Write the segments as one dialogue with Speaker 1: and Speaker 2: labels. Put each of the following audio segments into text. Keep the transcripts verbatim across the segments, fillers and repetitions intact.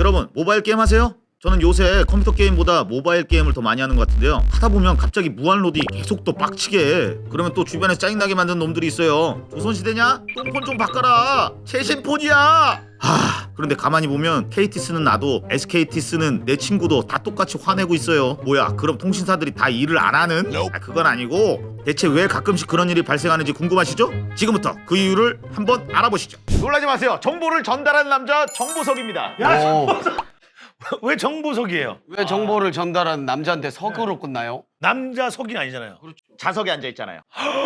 Speaker 1: 여러분 모바일 게임 하세요? 저는 요새 컴퓨터 게임보다 모바일 게임을 더 많이 하는 것 같은데요. 하다보면 갑자기 무한로딩 계속 또 빡치게 해. 그러면 또 주변에 짜증나게 만드는 놈들이 있어요. 조선시대냐? 똥폰 좀 바꿔라. 최신폰이야. 하... 그런데 가만히 보면 케이티 쓰는 나도 에스케이티 쓰는 내 친구도 다 똑같이 화내고 있어요. 뭐야, 그럼 통신사들이 다 일을 안 하는? 아, 그건 아니고 대체 왜 가끔씩 그런 일이 발생하는지 궁금하시죠? 지금부터 그 이유를 한번 알아보시죠. 놀라지 마세요. 정보를 전달하는 남자 정보석입니다.
Speaker 2: 야,
Speaker 3: 오.
Speaker 2: 정보석. 왜 정보석이에요?
Speaker 3: 왜 정보를 전달하는 남자한테 석으로 끝나요?
Speaker 2: 남자 석이 아니잖아요.
Speaker 1: 좌석에 앉아 있잖아요.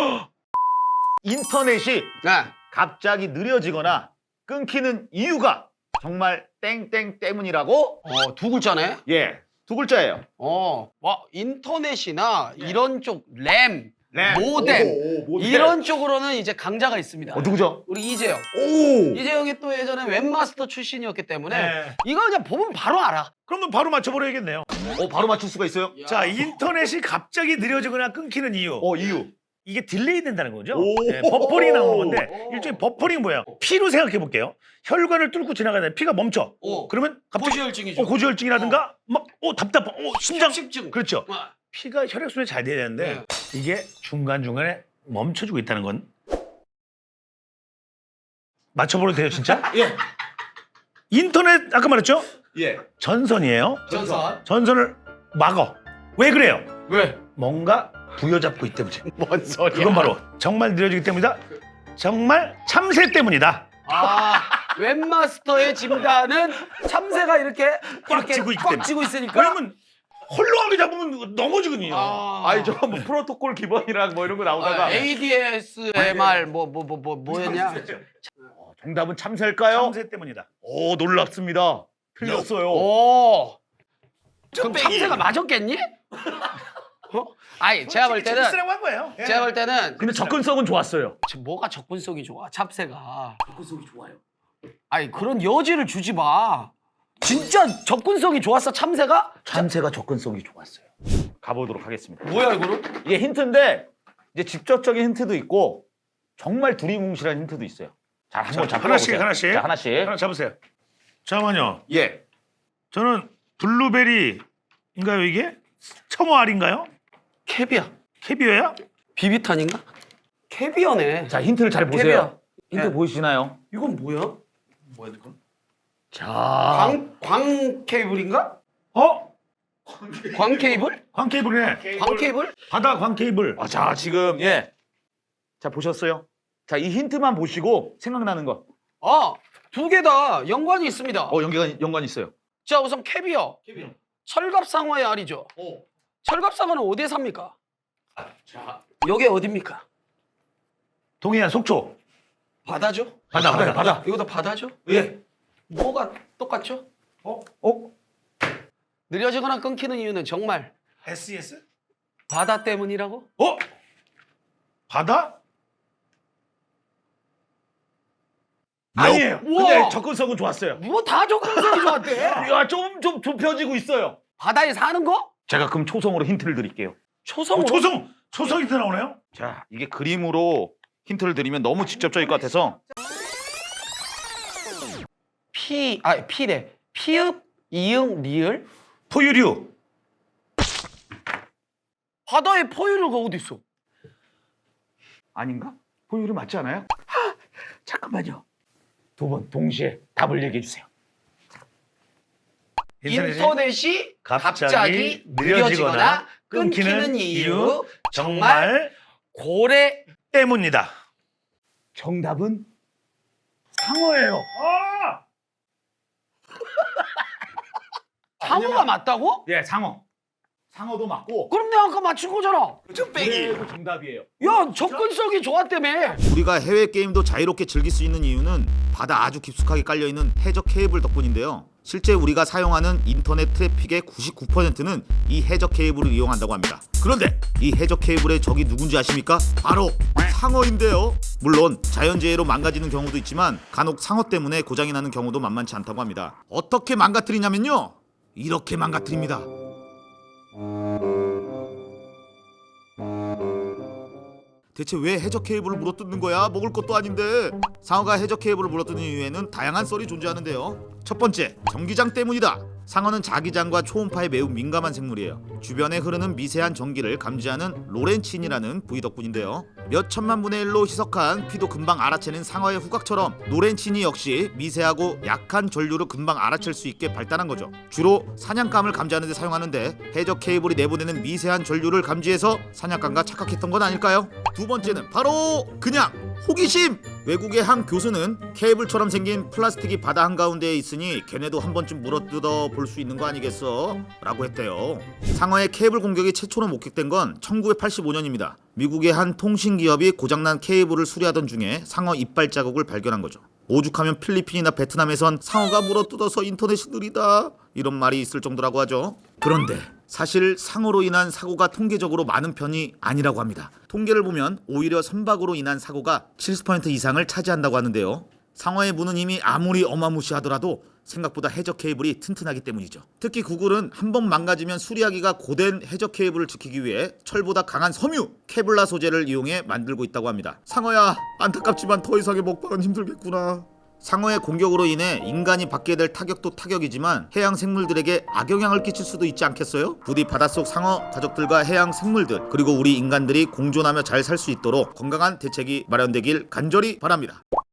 Speaker 1: 인터넷이
Speaker 3: 네.
Speaker 1: 갑자기 느려지거나 끊기는 이유가 정말 땡땡 때문이라고?
Speaker 3: 어, 두 글자네.
Speaker 1: 예, 두 글자예요.
Speaker 3: 어, 와, 인터넷이나 이런 쪽 램,
Speaker 1: 램.
Speaker 3: 모뎀
Speaker 1: 오, 오, 모뎀.
Speaker 3: 이런 쪽으로는 이제 강자가 있습니다.
Speaker 1: 어, 누구죠?
Speaker 3: 우리 이재영.
Speaker 1: 오!
Speaker 3: 이재영이 또 예전에 웹마스터 출신이었기 때문에
Speaker 2: 네.
Speaker 3: 이거 그냥 보면 바로 알아.
Speaker 2: 그러면 바로 맞춰버려야겠네요.
Speaker 1: 어, 바로 맞출 수가 있어요?
Speaker 2: 자, 인터넷이 갑자기 느려지거나 끊기는 이유.
Speaker 1: 어, 이유.
Speaker 2: 이게 딜레이 된다는 거죠.
Speaker 1: 오.
Speaker 2: 네, 버퍼링이 나오는 건데
Speaker 3: 오.
Speaker 2: 일종의 버퍼링이 뭐야? 피로 생각해 볼게요. 혈관을 뚫고 지나가다 피가 멈춰.
Speaker 3: 오.
Speaker 2: 그러면 갑자기
Speaker 3: 고지혈증이죠.
Speaker 2: 어, 고지혈증이라든가 막 어, 답답한 어, 심장
Speaker 3: 십십증.
Speaker 2: 그렇죠.
Speaker 3: 어.
Speaker 2: 피가 혈액순환이 잘 돼야 되는데 이게 중간중간에 멈춰주고 있다는 건 맞춰버려도 돼요 진짜?
Speaker 1: 예.
Speaker 2: 인터넷 아까 말했죠?
Speaker 1: 예.
Speaker 2: 전선이에요.
Speaker 3: 전선.
Speaker 2: 전선을 막어. 왜 그래요?
Speaker 3: 왜?
Speaker 2: 뭔가 부여잡고 있기 때문이지.
Speaker 3: 뭔 소리야?
Speaker 2: 그건 바로 정말 느려지기 때문이다. 정말 참새 때문이다.
Speaker 3: 아, 웹마스터의 진단은 참새가 이렇게
Speaker 2: 꽉
Speaker 3: 이렇게
Speaker 2: 쥐고 있기
Speaker 3: 꽉
Speaker 2: 때문에.
Speaker 3: 쥐고 있으니까.
Speaker 2: 왜냐면 홀로하게 잡으면 넘어지거든요.
Speaker 3: 아,
Speaker 1: 아니, 저 뭐 프로토콜 기본이랑 뭐 이런 거 나오다가
Speaker 3: 아, 에이디에스엠알 뭐 뭐 뭐 뭐 뭐였냐?
Speaker 1: 어, 정답은 참새일까요?
Speaker 2: 참새 때문이다.
Speaker 1: 오, 놀랍습니다. 틀렸어요.
Speaker 3: 오. 그럼 참새가 맞았겠니? 어? 아니, 제가 볼 때는
Speaker 2: 재밌으라고 한 거예요. 예.
Speaker 3: 제가 볼 때는
Speaker 1: 근데 접근성은 좋았어요.
Speaker 3: 지금 뭐가 접근성이 좋아? 참새가. 접근성이 좋아요. 아니, 그런 여지를 주지 마. 진짜 접근성이 좋았어, 참새가?
Speaker 1: 참새가 접근성이 좋았어요. 가보도록 하겠습니다.
Speaker 3: 뭐야, 이거는?
Speaker 1: 이게 힌트인데 이제 직접적인 힌트도 있고 정말 두리뭉실한 힌트도 있어요. 자, 한번
Speaker 2: 자,
Speaker 1: 잡아
Speaker 2: 하나씩,
Speaker 1: 보세요.
Speaker 2: 하나씩.
Speaker 1: 자, 하나씩.
Speaker 2: 하나 잡으세요. 잠깐만요.
Speaker 1: 예.
Speaker 2: 저는 블루베리인가요 이게? 청어 알인가요?
Speaker 3: 캐비어.
Speaker 2: 캐비어야?
Speaker 3: 비비탄인가? 캐비어네.
Speaker 1: 자, 힌트를 잘 보세요.
Speaker 3: 캐비어.
Speaker 1: 힌트
Speaker 3: 예.
Speaker 1: 보이시나요?
Speaker 3: 이건 뭐야? 뭐야, 이건?
Speaker 1: 자,
Speaker 3: 광, 광 케이블인가?
Speaker 2: 어?
Speaker 3: 광 케이블?
Speaker 2: 광 케이블이네.
Speaker 3: 광 케이블?
Speaker 2: 바다 광 케이블.
Speaker 1: 아, 자, 지금 예. 자, 보셨어요? 자, 이 힌트만 보시고 생각나는 것.
Speaker 3: 아, 두 개 다 연관이 있습니다.
Speaker 1: 어, 연관 연관 있어요.
Speaker 3: 자, 우선 캐비어. 캐비어. 철갑상어의 알이죠.
Speaker 1: 어.
Speaker 3: 철갑상어는 어디에 삽니까? 자, 여기 어딥니까?
Speaker 2: 동해안 속초.
Speaker 3: 바다죠?
Speaker 2: 바다, 바다, 바다.
Speaker 3: 이것도 바다죠?
Speaker 2: 예.
Speaker 3: 뭐가 똑같죠?
Speaker 2: 어? 어?
Speaker 3: 느려지거나 끊기는 이유는 정말
Speaker 2: 에스이에스?
Speaker 3: 바다 때문이라고?
Speaker 2: 어? 바다? 아니에요.
Speaker 3: 우와.
Speaker 1: 근데 접근성은 좋았어요.
Speaker 3: 뭐 다 접근성이 좋았대.
Speaker 1: 야, 좀 좀 좁혀지고 있어요.
Speaker 3: 바다에 사는 거?
Speaker 1: 제가 그럼 초성으로 힌트를 드릴게요.
Speaker 3: 초성으로?
Speaker 2: 어, 초성! 초성 힌트 나오네요?
Speaker 1: 자, 이게 그림으로 힌트를 드리면 너무 직접적일 것 같아서
Speaker 3: 피, 아, 피래. 피읍, 이응, 리을?
Speaker 2: 포유류.
Speaker 3: 바다에 포유류가 어디 있어?
Speaker 1: 아닌가? 포유류 맞지 않아요?
Speaker 3: 잠깐만요.
Speaker 1: 두 번 동시에 답을 얘기해 주세요.
Speaker 3: 인터넷이 갑자기,
Speaker 2: 갑자기
Speaker 3: 느려지거나 끊기는 이유 정말 고래
Speaker 2: 때문이다.
Speaker 1: 정답은 상어예요.
Speaker 2: 아!
Speaker 3: 상어가 맞다고?
Speaker 1: 예, 상어. 상어도 맞고
Speaker 3: 그럼 내가 아까 맞춘 거잖아.
Speaker 1: 고래도 정답이에요.
Speaker 3: 야, 접근성이 좋았다며.
Speaker 1: 우리가 해외 게임도 자유롭게 즐길 수 있는 이유는 바다 아주 깊숙하게 깔려 있는 해적 케이블 덕분인데요. 실제 우리가 사용하는 인터넷 트래픽의 구십구 퍼센트는 이 해적 케이블을 이용한다고 합니다. 그런데 이 해적 케이블의 적이 누군지 아십니까? 바로 상어인데요. 물론 자연재해로 망가지는 경우도 있지만 간혹 상어 때문에 고장이 나는 경우도 만만치 않다고 합니다. 어떻게 망가뜨리냐면요, 이렇게 망가뜨립니다. 대체 왜 해적 케이블을 물어뜯는 거야? 먹을 것도 아닌데. 상어가 해적 케이블을 물어뜯는 이유에는 다양한 썰이 존재하는데요. 첫 번째, 전기장 때문이다. 상어는 자기장과 초음파에 매우 민감한 생물이에요. 주변에 흐르는 미세한 전기를 감지하는 로렌친이라는 부위 덕분인데요. 몇 천만 분의 일로 희석한 피도 금방 알아채는 상어의 후각처럼 로렌친이 역시 미세하고 약한 전류를 금방 알아챌 수 있게 발달한 거죠. 주로 사냥감을 감지하는 데 사용하는데 해적 케이블이 내보내는 미세한 전류를 감지해서 사냥감과 착각했던 건 아닐까요? 두 번째는 바로 그냥 호기심! 외국의 한 교수는 케이블처럼 생긴 플라스틱이 바다 한가운데에 있으니 걔네도 한 번쯤 물어뜯어 볼 수 있는 거 아니겠어? 라고 했대요. 상어의 케이블 공격이 최초로 목격된 건 천구백팔십오 년입니다. 미국의 한 통신기업이 고장난 케이블을 수리하던 중에 상어 이빨 자국을 발견한 거죠. 오죽하면 필리핀이나 베트남에선 상어가 물어뜯어서 인터넷이 느리다 이런 말이 있을 정도라고 하죠. 그런데 사실 상어로 인한 사고가 통계적으로 많은 편이 아니라고 합니다. 통계를 보면 오히려 선박으로 인한 사고가 칠십 퍼센트 이상을 차지한다고 하는데요. 상어의 무는 힘이 아무리 어마무시하더라도 생각보다 해적 케이블이 튼튼하기 때문이죠. 특히 구글은 한 번 망가지면 수리하기가 고된 해적 케이블을 지키기 위해 철보다 강한 섬유, 케블라 소재를 이용해 만들고 있다고 합니다. 상어야, 안타깝지만 더 이상의 먹방은 힘들겠구나. 상어의 공격으로 인해 인간이 받게 될 타격도 타격이지만 해양 생물들에게 악영향을 끼칠 수도 있지 않겠어요? 부디 바닷속 상어 가족들과 해양 생물들 그리고 우리 인간들이 공존하며 잘 살 수 있도록 건강한 대책이 마련되길 간절히 바랍니다.